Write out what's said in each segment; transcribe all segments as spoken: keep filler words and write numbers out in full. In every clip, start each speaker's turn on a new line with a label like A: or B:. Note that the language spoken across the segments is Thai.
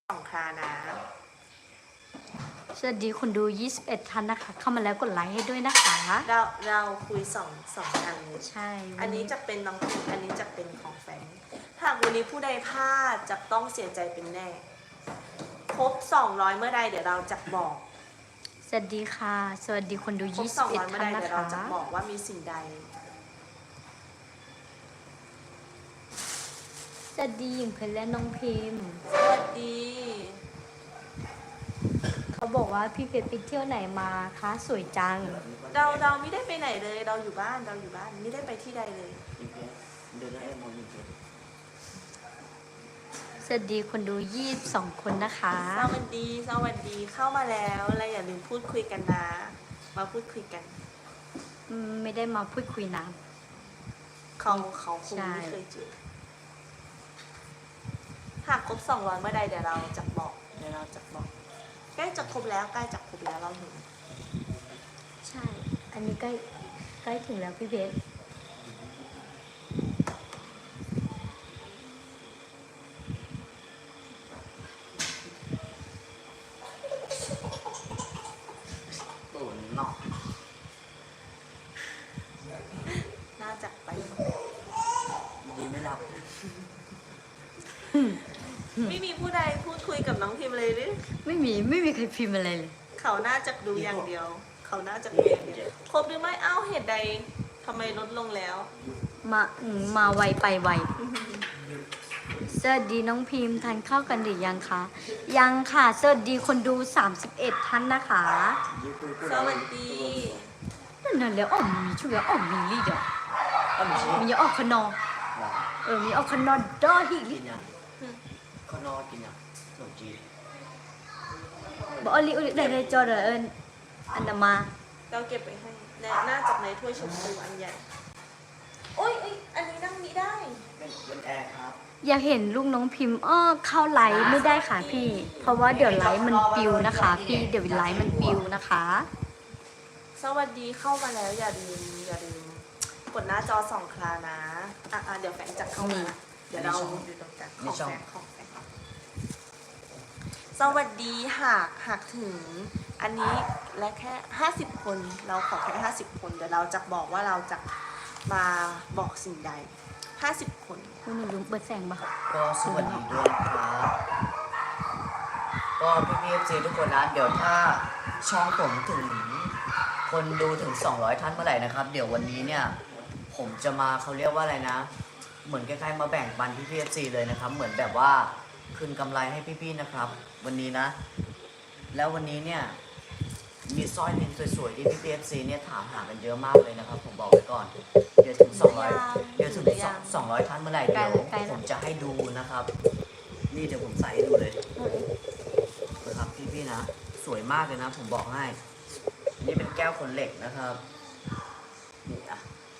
A: สองครานะ
B: สวัสดีคนดูยี่สิบเอ็ดท่านนะคะเข้ามาแล้วกดไลค์ให้ด้วยนะคะ
A: เราเราคุยสองสองอันเลย
B: ใช่
A: อันนี้จะเป็นน้องพิมอันนี้จะเป็นของแฟนหากวันนี้ผู้ใดพลาดจะต้องเสียใจเป็นแน่ครบสองร้อยเมื่อใดเดี๋ยวเราจะบอก
B: สวัสดีค่ะสวัสดีคนดู
A: ครบ
B: ยี่
A: ส
B: สิ
A: อบ ง
B: เอ็ด
A: ร้อยเมื่อ
B: ท่า
A: ใด
B: นนะ
A: เดี๋ยวเรา
B: คะ
A: จะบอกว่ามีสิ่งใด
B: สวัสดีหญิงเพชรและน้องพิมพ์
A: สวัสดี
B: เขาบอกว่าพี่เพชรไปเที่ยวไหนมาคะสวยจัง
A: เราเราไม่ได้ไปไหนเลยเราอยู่บ้านเราอยู่บ้านไม่ได้ไปที่ใดเลย
C: เดินให้มองอยู่เฉย
B: สวัสดีคนดูยี่สิบสองคนนะคะ
A: สวัสดีสวัสดีเข้ามาแล้วและอย่าลืมพูดคุยกันนะมาพูดคุยกัน
B: อืมไม่ได้มาพูดคุยนะ
A: เขาเขาคง
B: ใช่
A: ไม่เคยเจอหากครบสองร้อยเมื่อใดเดี๋ยวเราจะบอกเดี๋ยวเราจะบอกใกล้จะครบแล้วใกล้จะครบแล้วเราเห็น
B: ใช่ อันนี้ใกล้ใกล้ถึงแล้วพี่เพชร
C: ตูนนอก
A: น่าจะไป
C: ดีไม่หลับ
A: ไม่มีผู้ใดพูดคุยกับน้องพิมพ์เลยหรือ
B: ไม่มีไม่มีใครพิมพ์อะไรเลย
A: เขาน่าจะดูอย่างเดียว เขาน่าจะดูอย่างเดียวครบหรือไม่เอ้าเหตุใดทำไมลดลงแล้ว
B: มาอืมมาไวไปไว สวัสดีน้องพิมพ์ทานข้าวกันหรือยังคะ ยังค่ะ สวัสดีคนดูสามสิบเอ็ดท่านนะคะ
A: สวัสดี
B: นั่นน่ะแล้วอ๋อมมีช่วยอ๋อมมีลีดอ่ะ
C: ก็มีชี
B: มีออกขนอเออมีออกขนอดอฮิลิ
C: กินยังข้าวนอกกินยังขนมจีน
B: บอกอลิอลิได้ได้จอเดอเอิญอันนามา
A: เราเก็บไปให้และน่าจะในถ้วยชมพูอันใหญ่โอ้ยเอ้ยอันนี้นั่งนี้ได้
C: เป็นเป็นแอร์ครับ
B: อยากเห็นลูกน้องพิมพ์อ้อเข้าไลฟ์ไม่ได้ค่ะพี่ เพราะว่าเดี๋ยวไลฟ์มันปิวนะคะ พี่เดี๋ยวไลฟ์มันปิวนะคะ
A: สวัสดีเข้ามาแล้วอย่าลืมอย่าลืมกดหน้าจอสองครานะอ่ะอ่ะเดี๋ยวแฟนจะเข้ามาเดี๋ยวเราอยู่ตรงกลางของแฟนของแฟนสวัสดีหากหากถึงอันนี้และแค่ห้าสิบคนเราขอแค่ห้าสิบคนเดี๋ยวเราจะบอกว่าเราจะมาบอกสิ่งใดห้าสิบคน
B: คุณหนูลืมเปิดแสงปะ
C: ก็สวัสดีด้วยนะครับก็พี่พีเอฟซีทุกคนนะเดี๋ยวถ้าช่องผมถึงคนดูถึงสองร้อยท่านเมื่อไหร่นะครับ เดี๋ยววันนี้เนี่ยผมจะมาเขาเรียกว่าอะไรนะ เหมือนคล้ายๆมาแบ่งปันพี่พีเอฟซีเลยนะครับ เหมือนแบบว่าคืนกำไรให้พี่ๆนะครับ วันนี้นะ แล้ววันนี้เนี่ยมีสร้อยลิ้นสวยๆที่พี่พีเอฟซีเนี่ยถามหากันเยอะมากเลยนะครับ ผมบอกไว้ก่อน เดี๋ยวถึงสองร้อยเดี๋ยวถึงสองร้อยท่านเมื่อไหร่เดี๋ยวผมจะให้ดูนะครับ นี่เดี๋ยวผมใส่ให้ดูเลยนะครับพี่ๆนะ สวยมากเลยนะ ผมบอกให้อันนี้เป็นแก้วขนเหล็กนะครับนี่อ่ะ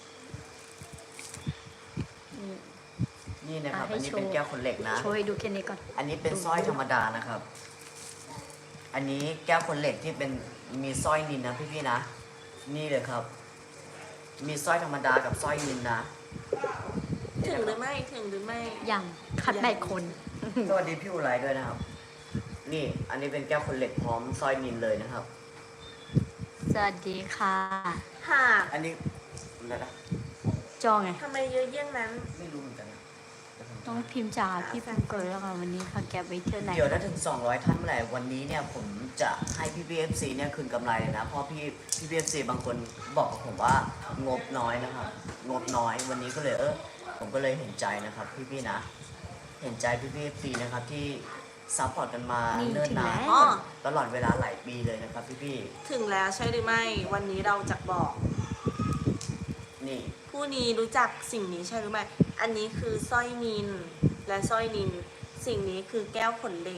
B: นี่
C: นี่นะครับ
B: อ่ะให้
C: อันนี้
B: โชว์
C: เป็นแก้วขนเหล็กนะ
B: โชว์ให้ดูแค่นี้ก่อน
C: อันนี้เป็นสร้อยธรรมดานะครับ อันนี้แก้วขนเหล็กที่เป็นมีสร้อยนินนะพี่ๆนะ นี่เลยครับ มีสร้อยธรรมดากับสร้อยนินนะ
A: ถึงหรือไม่ถึงหรือไม่
B: อย่างคัดแบกคน
C: สวัสดีพี่อุไรด้วยนะครับ นี่ อันนี้เป็นแก้วขนเหล็กพร้อมสร้อยนินเลยนะครับ
B: สวัสดีค่ะ
A: หาก
C: อันนี้อะไรนะ
B: จอไง
A: ทำไมเยอะเยี่ยงนั้น
C: ไม่รู้เหมือนกันนะเดี๋ยวผม
B: น้องพิมพ์จ๋าพี่พิมพ์เกิดแล้วค่ะวันนี้ค่ะแกไปเที่ยวไหน
C: เดี๋ยวถ้าถึงสองร้อยท่านเมื่อไหร่วันนี้เนี่ยผมจะให้พี่พีเอฟซีเนี่ยคืนกำไรเลยนะ เพราะพี่พี่พีเอฟซีบางคนบอกกับผมว่างบน้อยนะครับ งบน้อยวันนี้ก็เลยเออผมก็เลยเห็นใจนะครับพี่ๆนะ เห็นใจพี่พีเอฟซีนะครับที่ซัพพอร์ตกันมา
B: นี่
C: เนิ่น
B: ถึง
C: นา
B: แล้
C: น
B: ว
A: อ๋อ
C: ตลอดเวลาหลายปีเลยนะครับพี่
A: ถึงแล้วใช่หรือไม่ วันนี้เราจะบอก
C: ๆนี่
A: ผู้นี้รู้จักสิ่งนี้ใช่หรือไม่ อันนี้คือสร้อยนินและสร้อยนิน สิ่งนี้คือแก้วขนเหล็ก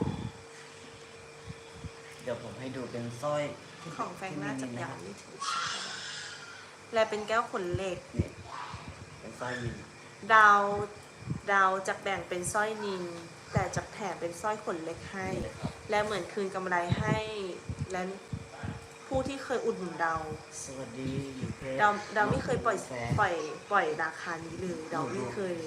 C: เดี๋ยวผมให้ดูเป็นสร้อยที่
A: ของแฟงน่าจะ
C: ที่มี
A: ยัง
C: นะครับ
A: ไม่ถึงและเป็นแก้วขนเหล็ก
C: นี่เป็นสร้อยนิน
A: เราเราจะแบ่งเป็นสร้อยนิน แต่จะแถมเป็นสร้อยขนเหล็กให้
C: นี่เลยครับ
A: และเหมือนคืนกำไรให้และผู้ที่เคยอุดหนุนเรา
C: สวัสดียูเพช
A: เราเราไม่เคยปล่อย
C: แฟน
A: ปล่อยปล่อยราคานี้เลยเราไม่เคยเลย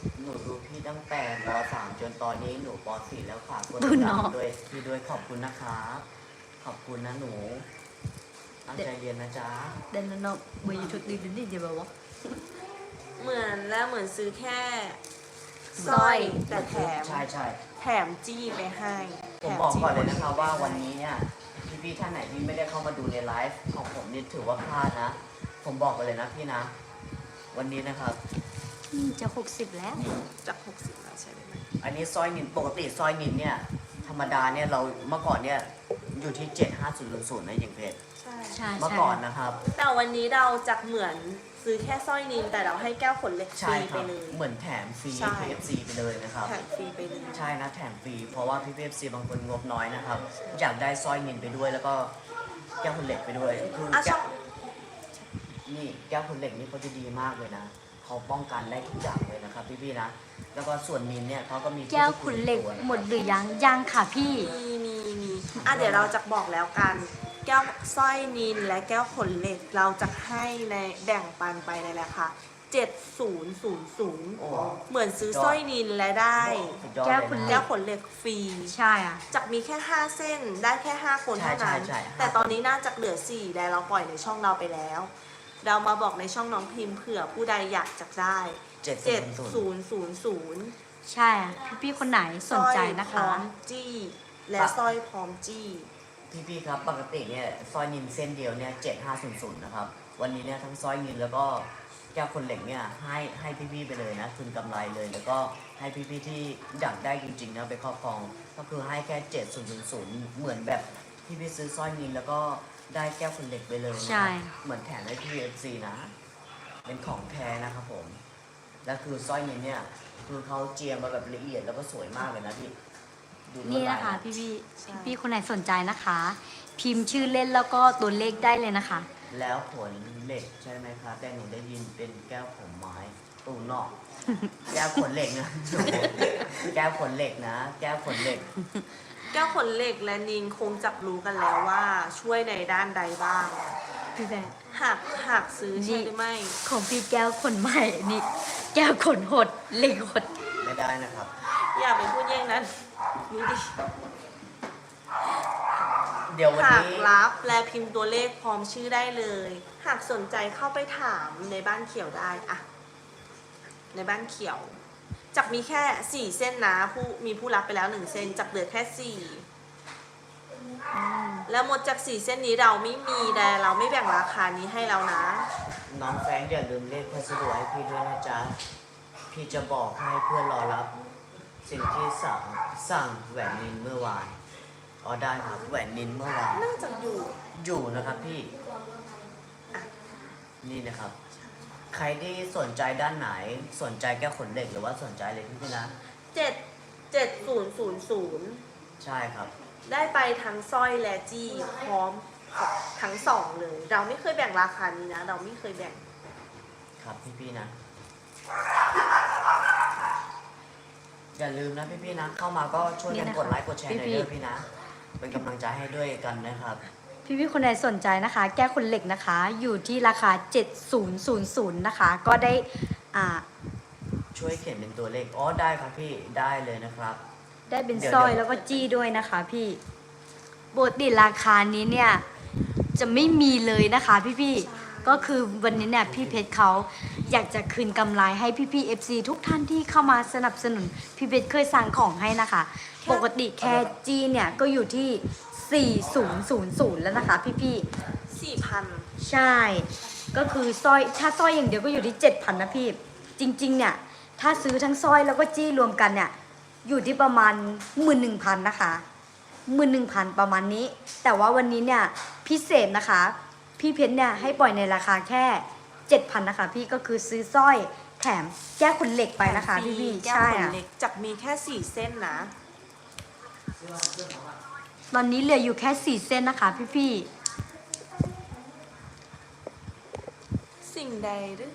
C: หนูดูพี่ตั้งแต่ป .สาม จนตอนนี้หนูป .สี่ แล้วค่ะกด
B: ดู
C: ติด
B: น้
C: ตา
B: อง
C: มด้วยพี่ด้วยขอบคุณนะคะขอบคุณนะหนูตั้งใจเรียนนะจ๊ะ
B: เดินนอกเบอร์ยูทูบดีดีเดี๋ยวบอกว่า
A: เหมือนแล้วเหมือนซื้อแค่สร้อยแต่แถม
C: ใช่ใช่
A: แถมจี้ไปให้
C: ผมบอกก่อนเลยนะครับว่าวันนี้เนี่ยพี่ๆท่านไหนที่ไม่ได้เข้ามาดูในไลฟ์ของผมนี่ถือว่าพลาดนะ ผมบอกไปเลยนะพี่นะ วันนี้นะครับ
B: อืมจะหกสิบแล้ว
A: จากหกสิบแล้วใช่ไหม
C: อันนี้สร้อยนินปกติสร้อยนินเนี่ยธรรมดาเนี่ยเราเมื่อก่อนเนี่ยอยู่ที่เจ็ดห้าศูนย์ศูนย์นะอย่างเพจ
A: ใช่
B: ใช่
C: เมื่อ
B: ใช่
C: ก่อนนะครับ
A: แต่วันนี้เราจะเหมือนซื้อแค่สร้อยนินแต่เราให้แก้วขนเล็กฟ
C: ใช่
A: รี
C: ค
A: ไป
C: รับ
A: เลย
C: เหมือนแถมฟรี
A: ใช่
C: พี เอฟ ซี ไปเลยนะครับ
A: แถมฟรีไปเลย
C: ใช่นะแถมฟรีเพราะว่าพี่พีเอฟซีบางคนงบน้อยนะครับ อยากได้สร้อยนินไปด้วยแล้วก็แก้วคนเหล็กไปด้วยคือ
A: อ่ะ
C: แก้
A: ช่อ
C: ว
A: ง
C: นี่แก้วคนเหล็กนี่เขาจะดีมากเลยนะเขาป้องกันได้ทุกอย่างเลยนะครับพี่ๆนะแล้วก็ส่วนนินเนี่ยเขาก็มี
B: แก้วขุนเหล็ก
C: ตัวะครับ
B: หมดหรือยังยังค่ะพี่
A: มีมีมีอ่ะเดี๋ยวเราจะบอกแล้วกัน แก้วสร้อยนินและแก้วขนเหล็กเราจะให้ในแบ่งปันไปในราคาเจ็ดศูนย์ศูนย์ศูนย์
C: โอ้
A: เหมือนซื้อสร้อยนินและได้
C: สุดยอด
B: แก้ว
C: เลย
B: ขุน
C: นะ
B: เหล็
A: แก้วขนเหล็กฟรี
B: ใช่อ่ะ
A: จากมีแค่ห้าเส้นได้แค่ห้าคนเท่านั้น
C: ใช่ใช่ใช่
A: แต่ตอนนี้น่าจะเหลือสี่แต่เราปล่อยในช่องเราไปแล้ว เรามาบอกในช่องน้องพิมพ์เผื่อผู้ใดอยากจะได้
C: เจ็ด
A: เจ็ด
C: ศูนย์
A: ศูนย์ศูนย์ศูนย์
B: ใช่อ่ะพี่ๆคนไหนสนใจนะ
A: พร้
B: คะ
A: อมจี้ และสร้อยพร้อมจี้
C: พี่ๆครับปกติเนี่ยสร้อยนินเส้นเดียวเนี่ยเจ็ดห้าศูนย์ศูนย์นะครับวันนี้เนี่ยทั้งสร้อยนินแล้วก็แก้วคนเหล็กเนี่ยให้ให้พี่ๆไปเลยนะคืนกำไรเลย แล้วก็ให้พี่ๆที่อยากได้จริงๆนะไปครอบครองก็คือให้แค่เจ็ดศูนย์ศูนย์ศูนย์เหมือนแบบพี่ๆซื้อสร้อยนินแล้วก็ได้แก้วคนเหล็กไปเลยนะ
B: ใช่
C: เหมือนแถมให้พี่เอฟซีนะ เป็นของแท้นะครับผมแล้วคือสร้อยนินเนี่ยคือเขาเจียมมาแบบละเอียดแล้วก็สวยมากเลยนะพี่ดูลวด
B: นี่
C: ลาย
B: นะคะ พี่พี่
A: ใช่
B: พี่ๆคนไหนสนใจนะคะ พิมพ์ชื่อเล่นแล้วก็ตัวเลขได้เลยนะคะ
C: แล้วผลเหล็กใช่ไหมครับแต่หนูได้ยินเป็นแก้วผมไม้ตูนอก แก้วขนเหล็กนะ แก้วขนเหล็กนะ แก้วขนเหล็ก
A: แก้วขนเหล็กและนินคงจับรู้กันแล้วว่าช่วยในด้านใดบ้าง
B: พี่แบงค์
A: หากหากซื้อใช่หรือไม่
B: ของพี่แก้วขนใหม่นี่แก้วขนหดเหล็กหด
C: ไม่ได้นะครับ
A: อย่าไปพูดแย่งนั้นนี่ดิ
C: เดี๋ยววัน
A: หาก
C: นี้
A: รับและพิมพ์ตัวเลขพร้อมชื่อได้เลย หากสนใจเข้าไปถามในบ้านเขียวได้อะในบ้านเขียวจากมีแค่สี่เส้นนะผู้มีผู้รับไปแล้วหนึ่งเส้นจากเหลือแค่สี่แล้วหมดจากสี่เส้นนี้เราไม่มีแต่เราไม่แบ่งราคานี้ให้เรานะ
C: น้องแฟรงค์อย่าลืมเลขพัสดุให้พี่ด้วยนะจ๊ะ พี่จะบอกให้เพื่อนรอรับ สิ่งที่สั่งสั่งแหวนนินเมื่อวานอ๋อได้ครับแหวนนินเมื่อวาน
A: น่าจะอยู่
C: อยู่นะครับพี่ นี่นะครับ ใครที่สนใจด้านไหนสนใจแก้วขนเหล็กหรือว่าสนใจอะไรพี่นะ
A: เจ็ดเจ็ดศูนย์ศูนย์ศูนย์
C: ใช่ครับ
A: ได้ไปทั้งสร้อยและจี้พร้อมทั้งสองเลย เราไม่เคยแบ่งราคานี้นะ เราไม่เคยแบ่ง
C: ครับพี่ๆนะ อย่าลืมนะพี่ๆนะ เข้ามาก็ช่วยกันกดไลค์กดแชร์หน่อยเด้อพี่นะ เป็นกำลังใจให้ด้วยกันนะครับ
B: พี่พี่ๆคนไหนสนใจนะคะ แก้วขนเหล็กนะคะ อยู่ที่ราคาเจ็ดศูนย์ศูนย์ศูนย์นะคะ ก็ได้อ่า
C: ช่วยเขียนเป็นตัวเลขอ๋อได้ครับพี่ได้เลยนะครับ
B: ได้เป็น
C: เดี๋ยว
B: สร้อย
C: เดี๋ยว
B: แล้วก็จี้ด้วยนะคะพี่ปกติราคานี้เนี่ยจะไม่มีเลยนะคะพี่พี่ๆก็คือวันนี้เนี่ยพี่เพชรเขาอยากจะคืนกำไรให้พี่พี่เอฟซีทุกท่านที่เข้ามาสนับสนุนพี่เพชรเคยสั่งของให้นะคะ ปกติแค่จี้เนี่ยก็อยู่ที่สี่ศูนย์ศูนย์ศูนย์แล้วนะคะพี่พี่ๆ
A: สี่พัน
B: ใช่ ก็คือสร้อยถ้าสร้อยอย่างเดียวก็อยู่ที่เจ็ดพันนะพี่ จริงๆเนี่ยถ้าซื้อทั้งสร้อยแล้วก็จี้รวมกันเนี่ยอยู่ที่ประมาณหมื่นหนึ่งพันนะคะหมื่นหนึ่งพันประมาณนี้ แต่ว่าวันนี้เนี่ยพิเศษนะคะ พี่เพชรเนี่ยให้ปล่อยในราคาแค่เจ็ดพันนะคะพี่ก็คือซื้อสร้อยแถมแก้วขนเหล็กไปนะคะพี่พี่
A: แก้ว
B: ใช่
A: ขน
B: อะ
A: เล็กจากมีแค่สี่เส้นนะ
B: ตอนนี้เหลืออยู่แค่สี่เส้นนะคะพี่พี่
A: สิ่งใดหรือ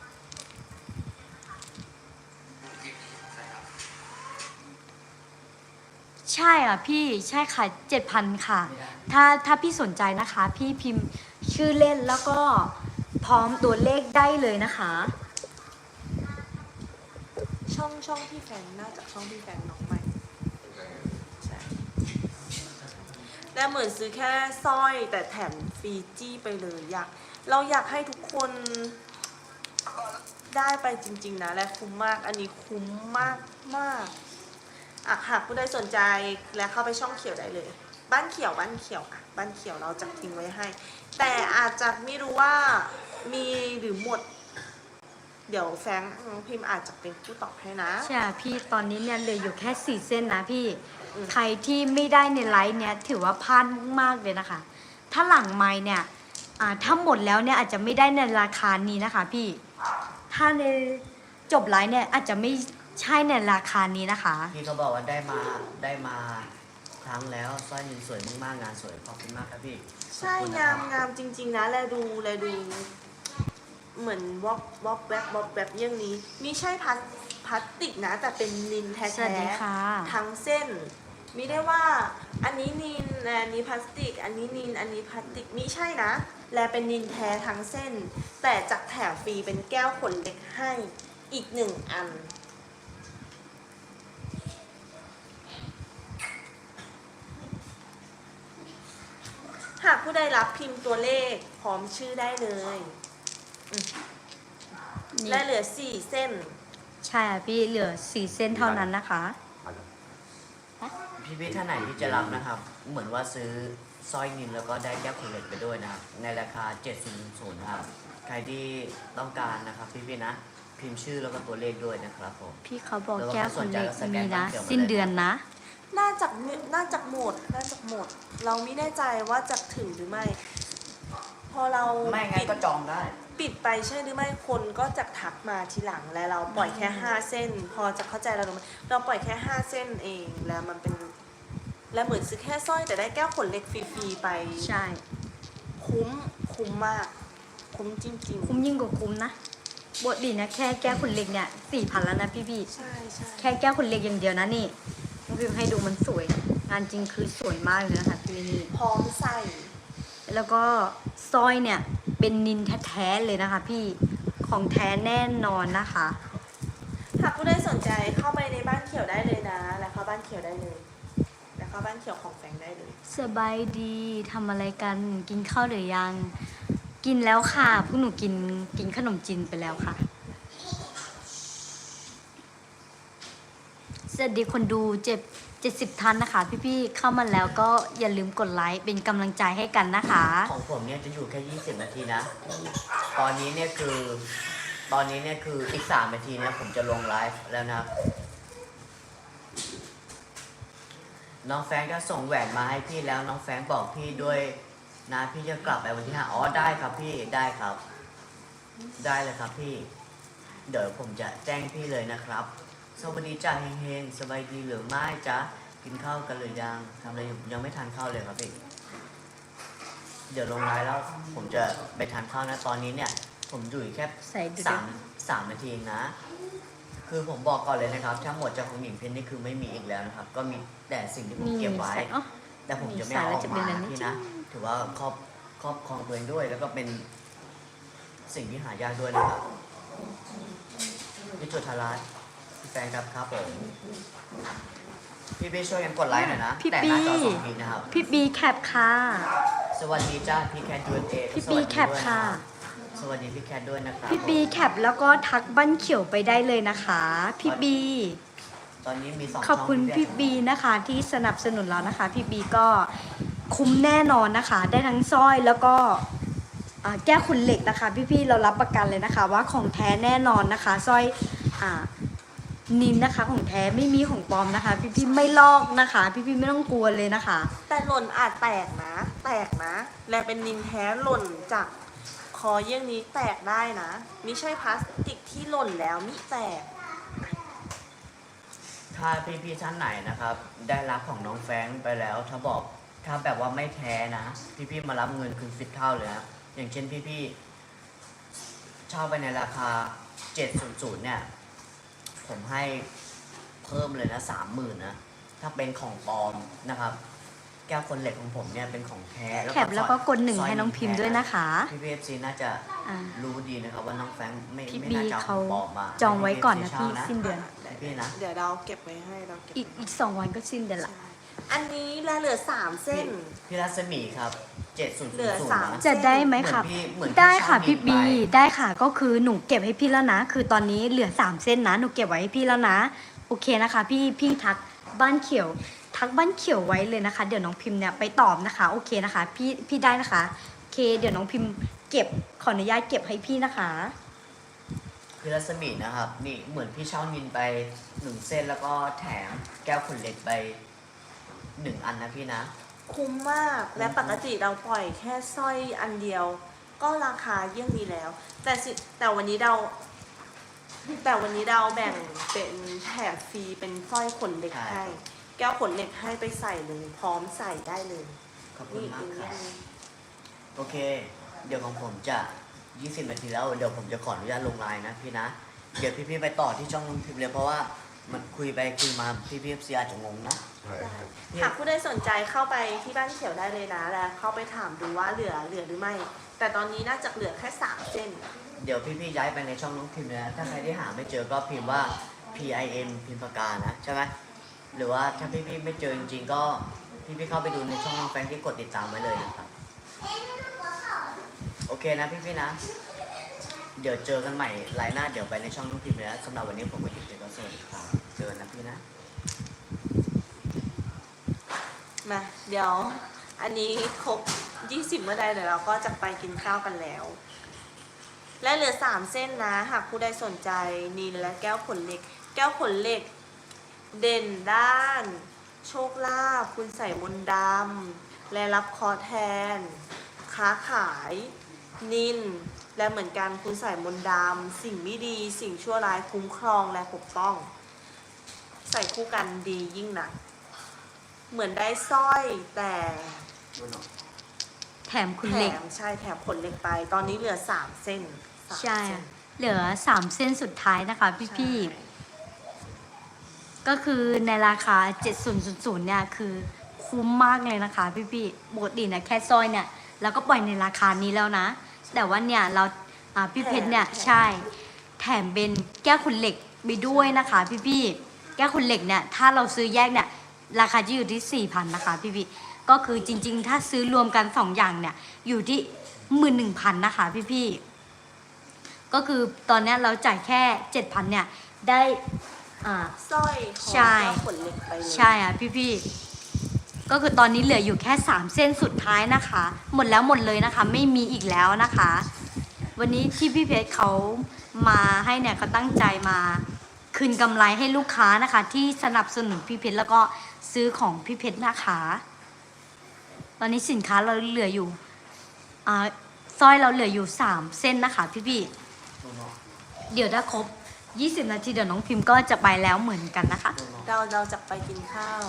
B: ใช่อ่ะพี่ใช่ค่ะเจ็ดพันค่ะ ถ้าถ้าพี่สนใจนะคะ พี่พิมพ์ชื่อเล่นแล้วก็พร้อมตัวเลขได้เลยนะคะ
A: ชช่องช่องพี่แฟนน่าจะช่องพี่แฟนน้องใหม่ใช่แต่เหมือนซื้อแค่สร้อยแต่แถมฟรีจี้ไปเลยอยากเราอยากให้ทุกคนได้ไปจริงๆนะและคุ้มมากอันนี้คุ้มมากมากอ่ะหากผู้ใดสนใจและเข้าไปช่องเขียวได้เลย บ้านเขียวบ้านเขียวอ่ะบ้านเขียวเราจะทิ้งไว้ให้ แต่อาจจะไม่รู้ว่ามีหรือหมด เดี๋ยวแฟรงค์น้องพิมพ์อาจจะเป็นผู้ตอบให้นะ
B: ใช่พี่ตอนนี้เนี่ยเหลืออยู่แค่สี่เส้นนะพี่
A: อืม
B: ใครที่ไม่ได้ในไลฟ์เนี่ยถือว่าพลาดมากๆเลยนะคะ ถ้าหลังไมค์เนี่ยอ่าถ้าหมดแล้วเนี่ยอาจจะไม่ได้ในราคานี้นะคะพี่ ถ้าในจบไลฟ์เนี่ยอาจจะไม่ใช่ในราคานี้นะคะ
C: พี่เขาบอกว่าได้มาได้มาครั้งแล้วสร้อยนินสวยมากๆงานสวยขอบคุณมากครับพี่
A: ใช่
C: ขอบคุณ
A: งาม
C: นะครับ
A: งามจริง ๆ นะแลดูแลดู เหมือนวอกวอกแวบวอกแวบเยี่ยงนี้ไม่ใช่พลาสพลาสติกนะ แต่เป็นนินแท้
B: สวัสดีค่ะ
A: ๆทั้งเส้นมิได้ว่าอันนี้นินอันนี้พลาสติก อันนี้นินอันนี้พลาสติกมิใช่นะ แลเป็นนินแท้ทั้งเส้น แต่จากแถมฟรีเป็นแก้วขนเล็กให้อีกหนึ่งอัน หากผู้ใดรับพิมพ์ตัวเลขพร้อมชื่อได้เลยอืม
B: นี่
A: และเหลือสี่เส้น
B: ใช่ค่ะพี่เหลือสี่เส้นเท่านั้นนะคะ
C: พี่พี่ท่านไหนที่จะรับนะครับ เหมือนว่าซื้อสร้อยนินแล้วก็ได้แก้วขุนเหล็กไปด้วยนะครับในราคาเจ็ดศูนย์ศูนย์นะครับใครที่ต้องการนะครับพี่พี่ๆนะพิมพ์ชื่อแล้วก็ตัวเลขด้วยนะครับผม
B: พี่เขาบอก
C: แล้วก็
B: แก้วคนเล็ก
C: สแก
B: มี
C: น
B: นะ
C: บัตรเขียวมาเลย
B: สิ้นเดือนนะ
A: น่าจะน่าจะหมด น่าจะหมด เราไม่แน่ใจว่าจะถึงหรือไม่ พอเรา
C: ไม่งั้น
A: ปิด
C: ก็จองได้
A: ปิดไปใช่หรือไม่คนก็จะทักมาทีหลังและเราปล่อยแค่ห้าเส้น พอจะเข้าใจเราหรือไม่เราปล่อยแค่ห้าเส้นเองแล้วมันเป็น แล้วเหมือนซื้อแค่สร้อยแต่ได้แก้วขนเล็กฟรีๆไป
B: ใช่
A: คุ้มคุ้มมาก คุ้มจริงๆ
B: คุ้มยิ่งกว่าคุ้มนะบทดีนะแค่แก้วคนเล็กเนี่ยสี่พันแล้วนะพี่พี่
A: ใช่ใช่
B: แค่แก้วคนเล็กอย่างเดียวนะนี่น้องพิมพ์ให้ดูมันสวย งานจริงคือสวยมากเลยนะคะพี่นี่
A: พร้อมใส่
B: แล้วก็สร้อยเนี่ยเป็นนินแท้ๆเลยนะคะ พี่ของแท้แน่นอนนะคะ
A: หากผู้ใดสนใจเข้าไปในบ้านเขียวได้เลยนะ แล้วเข้าบ้านเขียวได้เลย แล้วเข้าบ้านเขียวของแฟงได้เลย
B: สบายดีทำอะไรกันกินข้าวหรือยัง กินแล้วค่ะพวกหนูกินกินขนมจีนไปแล้วค่ะสวัสดีคนดูเจ็ดเจ็ดสิบท่านนะคะ พี่ๆเข้ามาแล้วก็อย่าลืมกดไลค์เป็นกำลังใจให้กันนะคะ
C: ของผมเนี่ยจะอยู่แค่ยี่สิบนาทีนะ ตอนนี้เนี่ยคือ ตอนนี้เนี่ยคืออีกสามนาทีเนี่ยผมจะลงไลฟ์แล้วนะครับ น้องแฟรงค์ก็ส่งแหวนมาให้พี่แล้วน้องแฟรงค์บอกพี่ด้วยนะพี่จะกลับไปวันที่ห้าอ๋อได้ครับพี่ได้ครับ ได้เลยครับพี่ เดี๋ยวผมจะแจ้งพี่เลยนะครับ สวัสดีจ้าเฮงๆสบายดีหรือไม่จ๊ะกินข้าวกันหรือยังทำอะไรอยู่ยังไม่ทานข้าวเลยครับพี่ เดี๋ยวลงไลน์แล้วผมจะไปทานข้าวนะตอนนี้เนี่ย ผมอยู่อีกแค่
B: ใส่ดูดิ
C: สามสามนาทีเองนะ คือผมบอกก่อนเลยนะครับถ้าหมดจากของหญิงเพชรนี่คือไม่มีอีกแล้วนะครับ ก็มีแต่สิ่งที่ผม
B: มี
C: เก็บไว้
B: ใส่อ๋อ
C: แต่ผมจะไม่เอาออก
B: มี
C: มา
B: สายแล้วจะเป็นอะไร
C: นะพี่นะ ถือว่าครอบครอบครองตัวเองด้วย แล้วก็เป็นสิ่งที่หายากด้วยนะครับพี่จุธารัตน์พี่แฟนครับครับผมพี่พี่ช่วยกันกดไลค์หน่อยนะ
B: พี่
C: แต่หน้าจอ
B: บี้
C: สองทีนะครับ
B: พี่บีแคปค่ะ
C: สวัสดีจ้าพี่แคทยูเอเอ
B: พี่บีแคปค่ะ
C: สวัสดีพี่แคทด้วยนะครับ
B: พี่บีแคปแล้วก็ทักบ้านเขียวไปได้เลยนะคะ พี่บี
C: ตอนนี้มีสอง
B: ขอบคุณ
C: ช่ง
B: พี่บีนะคะที่สนับสนุนเรานะคะ พี่บีก็คุ้มแน่นอนนะคะ ได้ทั้งสร้อยแล้วก็อ่าแก้วขุนเหล็กนะคะ พี่ๆเรารับประกันเลยนะคะ ว่าของแท้แน่นอนนะคะสร้อยอ่านินนะคะของแท้ไม่มีของปลอมนะคะ พี่ๆไม่ลอกนะคะ พี่ๆไม่ต้องกลัวเลยนะคะ
A: แต่หล่นอาจแตกนะ แตกนะ และเป็นนินแท้หล่นจากคอเยี่ยงนี้แตกได้นะไม่ใช่พลาสติกที่หล่นแล้วมิแตก
C: ถ้าพี่พี่ๆท่านไหนนะครับ ได้รับของน้องแฟรงค์ไปแล้ว ถ้าบอกถ้าแบบว่าไม่แท้นะ พี่พี่ๆมารับเงินคืนสิบเท่าเลยนะอย่างเช่นพี่พี่ๆเช่าไปในราคาเจ็ดศูนย์ศูนย์เนี่ย ผมให้เพิ่มเลยนะสามหมื่นนะ ถ้าเป็นของปลอมนะครับแก้วคนเหล็กของผมเนี่ยเป็นของแท้
B: แคปแล้วก็กดหนึ่งให้น้องพิมพ์ด้วยนะคะ
C: พี่พีเอฟซีน่าจะ
B: อ่า
C: รู้ดีนะครับว่าน้องแฟรงค์ไม่
B: พี่
C: ไม่
B: บี
C: น่าจะ
B: เขา
C: บอกมา
B: จองไว้ก่อนนะ
C: ให้
B: พี่
C: เช่า
B: สิ้นเดือน
C: พี่นะ
A: เดี๋ยวเราเก็บไว้ให้เราเก็บ
B: อีกอีกสองวันก็สิ้นเดือนละ
A: ใช่อันนี้แลเหลือสามเส้น
C: พี่รัศมีครับเจ็ดศูนย์
A: เหลือ
C: ศูน
A: สาม
C: ย์
B: จะได้ไหมคะ
C: เหมือนพี่เหมือนพี่
B: ได้ค่ะ
C: ชอบ
B: พี่
C: มี
B: บี
C: ไป
B: ได้ค่ะก็คือหนูเก็บให้พี่แล้วนะ คือตอนนี้เหลือสามเส้นนะหนูเก็บไว้ให้พี่แล้วนะโอเคนะคะ พี่พี่ทักบ้านเขียว ทักบ้านเขียวไว้เลยนะคะ เดี๋ยวน้องพิมพ์เนี่ยไปตอบนะคะโอเคนะคะ พี่พี่ได้นะคะโอเค เดี๋ยวน้องพิมพ์เก็บขออนุญาตเก็บให้พี่นะคะ
C: พี่รัศมีนะครับ นี่เหมือนพี่เช่านินไปหนึ่งเส้นแล้วก็แถมแก้วขนเหล็กไปหนึ่งอันนะพี่นะ
A: คุ้มมากและปกติเราปล่อยแค่สร้อยอันเดียว ก็ราคาเยี่ยงนี้แล้ว แต่สิแต่วันนี้เรา แต่วันนี้เราแบ่งเป็นแถมฟรีเป็นสร้อยขนเหล็ก
C: ใช่
A: ให้ แก้วขนเหล็กให้ไปใส่เลยพร้อมใส่ได้เลย
C: ขอบคุณ
A: นี่
C: มาก
A: อีก
C: ค
A: อ
C: รับ
A: ย่างหนึง
C: โอเค เดี๋ยวของผมจะยี่สิบนาทีแล้ว เดี๋ยวผมจะขออนุญาตลงไลน์นะพี่นะ เดี๋ยวพี่ๆไปต่อที่ช่องน้องพิมพ์เลยเพราะว่ามันคุยไปคุยมาพี่พีเอฟซีอาจจะงงนะ
D: ใช่ครับ
A: หากผู้ใดสนใจเข้าไปที่บ้านเขียวได้เลยนะแล้วเข้าไปถามดูว่าเหลือเหลือหรือไม่ แต่ตอนนี้น่าจะเหลือแค่สามเส้น
C: เดี๋ยวพี่ๆย้ายไปในช่องน้องพิมพ์เลยนะถ้าใครที่หาไม่เจอก็พิมพ์ว่า P I M พิมพ์ปากกานะใช่ไหมหรือว่าถ้าพี่ๆไม่เจอจริงๆก็พี่ๆเข้าไปดูในช่องน้องแฟรงค์ที่กดติดตามไว้เลยนะครับโอเคนะพี่ๆนะ เดี๋ยวเจอกันใหม่ไลน์หน้าเดี๋ยวไปในช่องน้องพิมพ์เลยนะสำหรับวันนี้ผมก็อยู่ในก็สวัสดีครับเจอกันนะพี่นะ
A: มา เดี๋ยว อันนี้ครบยี่สิบเมื่อใดเดี๋ยวเราก็จะไปกินข้าวกันแล้ว และเหลือสามเส้นนะ หากผู้ใดสนใจนินและแก้วขนเหล็ก แก้วขนเหล็ก เด่นด้าน โชคลาภคุณใส่มนต์ดำและรับเคอแทน ค้าขาย นิน และเหมือนกันคุณใส่มนต์ดำสิ่งไม่ดีสิ่งชั่วร้ายคุ้มครองและปกป้อง ใส่คู่กันดียิ่งหนัก เหมือนได้สร้อยแต่
B: แถมคุณ
A: แถ
B: เหล็ก
A: มใช่แถมขนเหล็กไป ตอนนี้เหลือสามเส้นสาม
B: ใช่
A: เส้น
B: เหลือสามเส้นสุดท้ายนะคะ พี่
A: ใช่
B: ๆก็คือในราคาเจ็ดพันเนี่ยคือคุ้มมากเลยนะคะ พี่ๆปกตินะแค่สร้อยเนี่ยเราก็ปล่อยในราคานี้แล้วนะ แต่ว่าเนี่ยเราอ่าพี่เพชรเนี่ยใช่แถมเป็นแก้วขุนเหล็กไปด้วยนะคะ พี่ๆแก้วขุนเหล็กเนี่ยถ้าเราซื้อแยกเนี่ยราคาจะอยู่ที่สี่พันนะคะพี่ๆก็คือจริง ๆ ถ้าซื้อรวมกันสองอย่างเนี่ยอยู่ที่หมื่นหนึ่งพันนะคะพี่ๆก็คือตอนเนี้ยเราจ่ายแค่เจ็ดพันเนี่ยได้อ่า
A: สร้อยของ
B: ใช่
A: แก้วขนเหล็กไปเลย
B: ใช่อ่ะพี่ๆก็คือตอนนี้เหลืออยู่แค่สามเส้นสุดท้ายนะคะ หมดแล้วหมดเลยนะคะ ไม่มีอีกแล้วนะคะ วันนี้ที่พี่เพชรเขามาให้เนี่ยเขาตั้งใจมาคืนกำไรให้ลูกค้านะคะ ที่สนับสนุนพี่เพชรแล้วก็ซื้อของพี่เพชรนะคะ ตอนนี้สินค้าเราเหลืออยู่อ่าสร้อยเราเหลืออยู่สามเส้นนะคะ พี่ๆเดี๋ยวถ้าครบยี่สิบนาทีเดี๋ยวน้องพิมพ์ก็จะไปแล้วเหมือนกันนะคะ
A: เราเราจะไปกินข้าว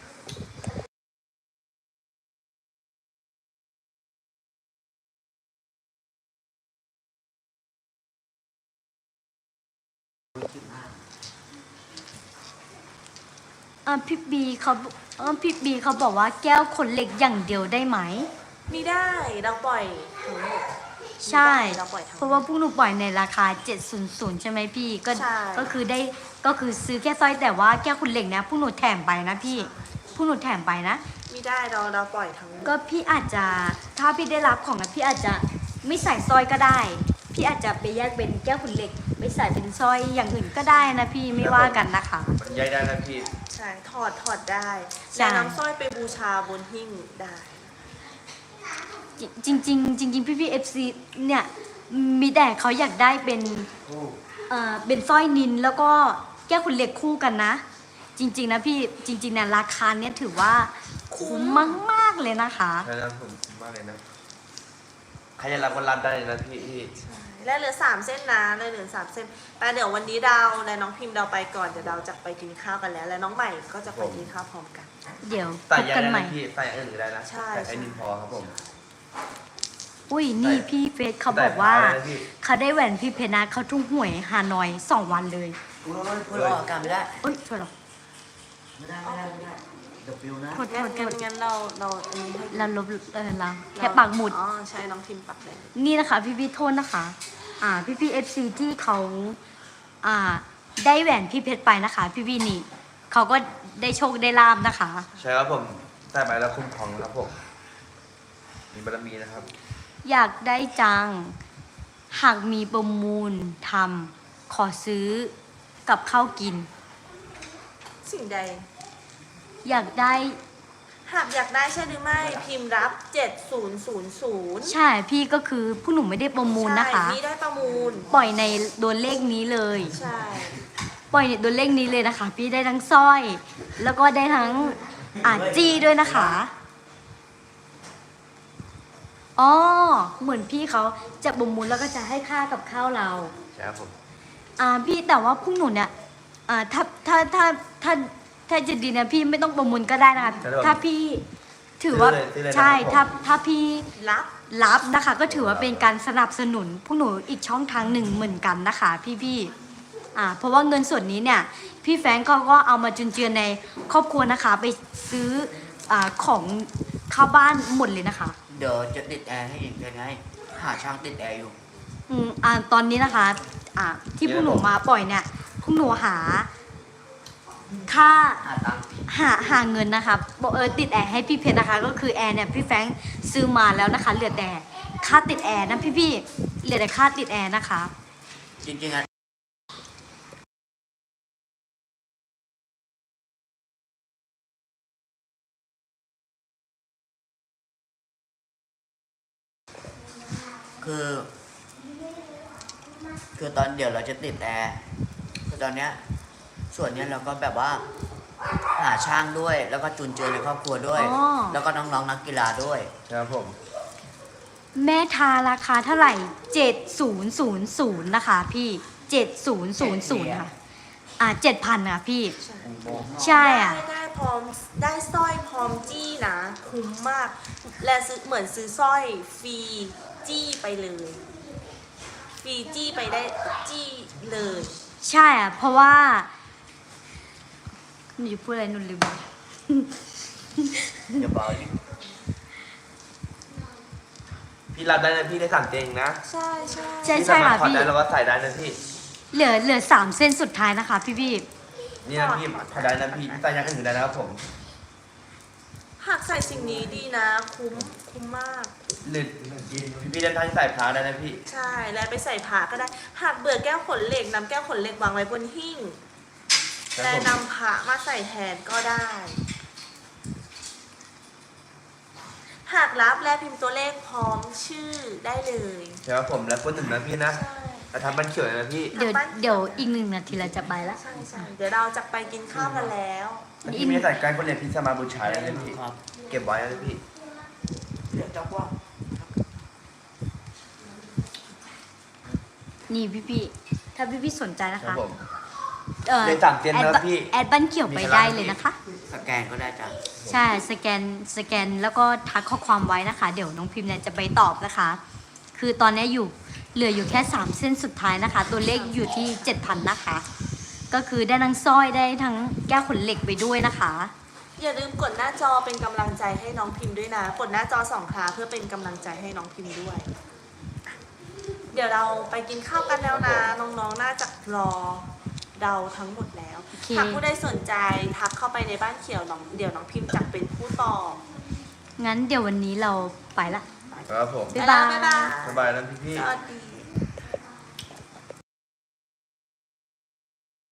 B: อ่าพี่บีเขาอ่าพี่บีเขาบอกว่าแก้วขนเหล็กอย่างเดียวได้ไหม
A: ไม่ได้เราปล่อยทั้งหมด
B: ใช่
A: ไม่ได้เราปล่อยทั้งหมด
B: เพราะว่าพวกหนูปล่อยในราคาเจ็ดพันใช่ไหมพี่ก็
A: ใช่
B: ก็คือได้ก็คือซื้อแค่สร้อยแต่ว่าแก้วขนเหล็กนะพวกหนูแถมไปนะพี่พวกหนูแถมไปนะ
A: ไม่ได้เราเราปล่อยทั้งหมด
B: ก็พี่อาจจะถ้าพี่ได้รับของนะพี่อาจจะไม่ใส่สร้อยก็ได้ พี่อาจจะไปแยกเป็นแก้วขนเหล็กไม่ใส่เป็นสร้อยอย่างอื่นก็ได้นะพี่ไม่ว่ากันนะคะ
D: มันย้ายได้นะพี่
A: ใช่ถอดถอดได้
B: ใช่
A: แล้วน้ำสร้อยไปบูชาบนหิ้งได้
B: จริงจริงๆจริงๆพี่พี่เอฟซีเนี่ยมีแต่เขาอยากได้เป็นเอ่อเป็นสร้อยนินแล้วก็แก้วขุนเหล็กคู่กันนะ จริง ๆ นะพี่จริงๆนะราคาเนี้ยถือว่าคุ้มมากๆเลยนะคะ
D: ใช่นะผมมากเลยนะ ใครจะรับก็รับได้เลยนะพี่พี่
A: และเหลือสามเส้นนะเลยเหลือสามเส้นแต่เดี๋ยววันนี้ดาวและน้องพิมพ์ดาวไปก่อนเดี๋ยวดาวจะไปกินข้าวกันแล้ว และน้องใหม่ก็จะไปกินข้าวพร้อมกัน
B: เดี๋ยวพ
D: ใส่
B: บ
D: ยัง
B: กัน
D: ไง
B: ใหม่
D: นะพี่ใส่อื่นก็ได้นะ
A: ใช่
D: แต่ไอ้นี่พอครับผม
B: อุ้ยนี่พี่เฟสเขาบอกว่า
D: ใส่พได้นะพี่
B: เขาได้แหวนพี่เพชรนะเขาทุ่งหวยฮานอยสองวันเลย
C: พูดพูดออกอากาศไม่ได้
B: เอ้ยช่วยหรอ
C: ไม่ได้ไม่ได้ไม่ได้
D: ไ
C: กับฟิวนะ
B: โทษโท
A: งั้น
B: ษโท
A: งั้น
B: ษ
A: งั้นเราเราอันนี้ให้
B: เราลบเออเราแค่ปักหมุด
A: อ๋อใช่น้องพิมพ์ปักเลย
B: นี่นะคะพี่พี่ๆโทษนะคะ อ่าพี่พี่เอฟซีที่เขาอ่าได้แหวนพี่เพชรไปนะคะ พี่พี่นี่เขาก็ได้โชคได้ลาบนะคะ
D: ใช่ครับผมใส่ไปแล้วคุ้มครองนะครับผมมีบารมีนะครับ
B: อยากได้จัง หากมีประมูลทำขอซื้อกับข้าวกิน
A: สิ่งใด
B: อยากได้
A: หากอยากได้ใช่หรือไม่พิมพ์รับเจ็ดศูนย์ศูนย์ศูนย์
B: ใช่พี่ก็คือผู้หนุ่มไม่ได้ประมูลนะคะ
A: ใช่นี่ได้ประมูล
B: ปล่อยในโดนเลขนี้เลย
A: ใช่
B: ปล่อยในโดนเลขนี้เลยนะคะ พี่ได้ทั้งสร้อย แล้วก็ได้ทั้งอาจี้ด้วยนะคะอ๋อเหมือนพี่เขาจะประมูลแล้วก็จะให้ค่ากับข้าวเรา
D: ใช่ครับผม
B: อ่าพี่แต่ว่าพวกหนูเนี่ยอ่าถ้าถ้าถ้าถ้าถ้าจะดีนะพี่ไม่ต้องประมูลก็ได้นะคะถ้าพี่ถือว่าใช่ถ้าถ้าพี่
A: รับ
B: รับนะคะ ก็ถือว่าเป็นการสนับสนุนพวกหนูอีกช่องทางหนึ่งเหมือนกันนะคะ พี่พี่ๆอ่าเพราะว่าเงินส่วนนี้เนี่ยพี่แฟรงก์เขาก็เอามาจุนเจือในครอบครัวนะคะ ไปซื้ออ่าของเข้าบ้านหมดเลยนะคะ
C: เดี๋ยวจะติดแอร์ให้อีกยังไง หาช่างติดแอร์อยู่
B: อืมอ่าตอนนี้นะคะอ่าที่พวกหนูมาปล่อยเนี่ยพวกหนูหาค่า
C: หาตังค์
B: หาหาเงินนะคะบอกเออติดแอร์ให้พี่เพชรนะคะ ก็คือแอร์เนี่ยพี่แฟรงค์ซื้อมาแล้วนะคะ เหลือแต่ค่าติดแอร์นะพี่พี่ๆเหลือแต่ค่าติดแอร์นะคะ
C: จริงๆอะคือ คือตอนเดี๋ยวเราจะติดแอร์คือตอนเนี้ยส่วนเนี้ยเราก็แบบว่า หาช่างด้วย แล้วก็จุนเจือในครอบครัวด้วย
B: อ๋อ
C: แล้วก็น้องๆนักกีฬาด้วย
D: ใช่ครับผม
B: แม่ทาราคาเท่าไหร่เจ็ดศูนย์ศูนย์ศูนย์นะคะพี่เจ็ดศูนย์ศูนย์ศูนย์ค่ะอ่าเจ็ดพันค่ะพี่ ใช่อ่ะ
A: ได้ได้พร้อมได้สร้อยพร้อมจี้นะคุ้มมาก และซื้อเหมือนซื้อสร้อยฟรีจี้ไปเลยฟรีจี้ไปได้จี้เลย
B: ใช่อ่ะเพราะว่าหนูจะพูดอะไรหนูลืม
C: อย่าเบาดิ
D: พี่รับได้นะพี่ได้สั่งเจงนะ
A: ใช่ใช่
B: ใช่
D: พี่
B: ใช่
D: สามาร
B: ค่ะ
D: ถถอด
B: พี่
D: ได้แล้วก็ใส่ได้นะพี่
B: เหลือเหลือสามเส้นสุดท้ายนะคะ พี่พี่
D: นี่นะพี่ถอดได้นะพี่ใส่อยังอื่นได้นะครับผม
A: หากใส่สิ่งนี้ดีนะ คุ้มคุ้มมาก
D: หรือพี่พี่เดินทางใส่พาได้นะพี่
A: ใช่ และไปใส่ผ้าก็ได้ หากเบื่อแก้วขนเหล็กนำแก้วขนเหล็กวางไว้บนหิ้ง
D: ครับ
A: และ
D: ผม
A: นำผ้ามาใส่แทนก็ได้ หากรับและพิมพ์ตัวเลขพร้อมชื่อได้เลย
D: ใช่ครับผมแล้วคนหนึ่งนะพี่นะ
A: ใช่
D: เราทำบันเขียวนะพี่
B: เดี๋ยวเดี๋ยวอีกหนึ่งนาทีเราจะไปละ
A: ใช่ใช่เดี๋ยวเราจะไปกินข้าวกันแล้ว
D: ถ้าพี่ไม่ได้ใส่ใกล้คนเรียนพี่สามารถบูชาได้เลยพี่
C: ครับ
D: เก็บไว้นะพี่
C: เดี๋ยวจะว่า
B: นี่พี่พี่ถ้าพี่พี่สนใจนะ
D: ครั
B: คะ
D: บผม
B: เอ่อ
D: เลขสามเจน
B: แอด
D: นะ
B: บัน
D: พี่
B: แอดบันเขียวไปได้เลยนะคะ
C: สแกนก็ได้จ้ะ
B: ใช่สแกนสแกนแล้วก็ทักข้อความไว้นะคะ เดี๋ยวน้องพิมพ์เนี่ยจะไปตอบนะคะ คือตอนนี้อยู่เหลืออยู่แค่สามเส้นสุดท้ายนะคะ ตัวเลขอยู่ที่เจ็ดพันนะคะ ก็คือได้ทั้งสร้อยได้ทั้งแก้วขนเหล็กไปด้วยนะคะ
A: อย่าลืมกดหน้าจอเป็นกำลังใจให้น้องพิมพ์ด้วยนะ กดหน้าจอสองครั้งเพื่อเป็นกำลังใจให้น้องพิมพ์ด้วย เดี๋ยวเราไปกินข้าวกันแล้วนะ น้องๆน่าจะรอเดาทั้งหมดแล้ว
B: โอเค
A: หากผู้ใดสนใจทักเข้าไปในบ้านเขียวน้องเดี๋ยวน้องพิมพ์จะเป็นผู้ตอบ
B: งั้นเดี๋ยววันนี้เราไปละ
D: ครับผม
B: บ๊ายบาย
A: บ๊ายบาย
D: สบายนะพี่พี่
A: สวัสดี